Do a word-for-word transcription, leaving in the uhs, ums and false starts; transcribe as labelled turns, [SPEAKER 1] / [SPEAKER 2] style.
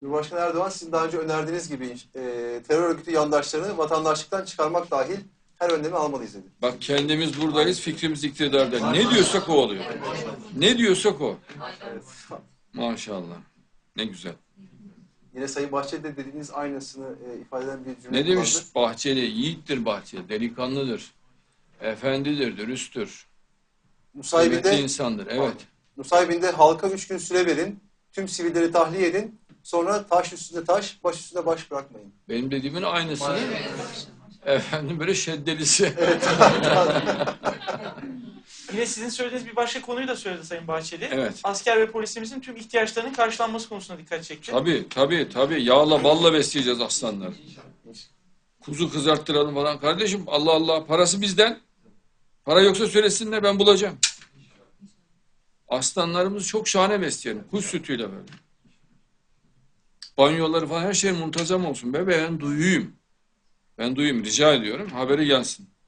[SPEAKER 1] Cumhurbaşkanı Erdoğan sizin daha önce önerdiğiniz gibi e, terör örgütü yandaşlarını vatandaşlıktan çıkarmak dahil her önlemi almalıyız dedi.
[SPEAKER 2] Bak kendimiz buradayız, fikrimiz iktidarda. Ne diyorsak o oluyor. Ne diyorsak o.
[SPEAKER 1] Evet.
[SPEAKER 2] Maşallah. Ne güzel.
[SPEAKER 1] Yine Sayın Bahçeli de dediğiniz aynısını e, ifade eden bir cümle
[SPEAKER 2] Ne demiş
[SPEAKER 1] kullandı.
[SPEAKER 2] Bahçeli? Yiğittir Bahçeli, delikanlıdır. Efendidir, dürüsttür. Kıymetli
[SPEAKER 1] Nusaybin'de,
[SPEAKER 2] insandır, evet.
[SPEAKER 1] Nusaybin'de halka üç gün süre verin, tüm sivilleri tahliye edin, sonra taş üstünde taş, baş üstünde baş bırakmayın.
[SPEAKER 2] Benim dediğimin aynısını efendim böyle şeddelisi.
[SPEAKER 1] Evet.
[SPEAKER 3] Yine sizin söylediğiniz bir başka konuyu da söyledi Sayın Bahçeli.
[SPEAKER 2] Evet.
[SPEAKER 3] Asker ve polisimizin tüm ihtiyaçlarının karşılanması konusunda dikkat çekti.
[SPEAKER 2] Tabii, tabii, tabii. Yağla, balla besleyeceğiz aslanları. Kuzu kızarttıralım falan. Kardeşim Allah Allah, parası bizden. Para yoksa söylesinler, ben bulacağım. Aslanlarımızı çok şahane besleyelim. Kuş sütüyle böyle. Banyoları falan her şey muntazam olsun. Be ben duyuyum. Ben duyayım, rica ediyorum. Haberi gelsin.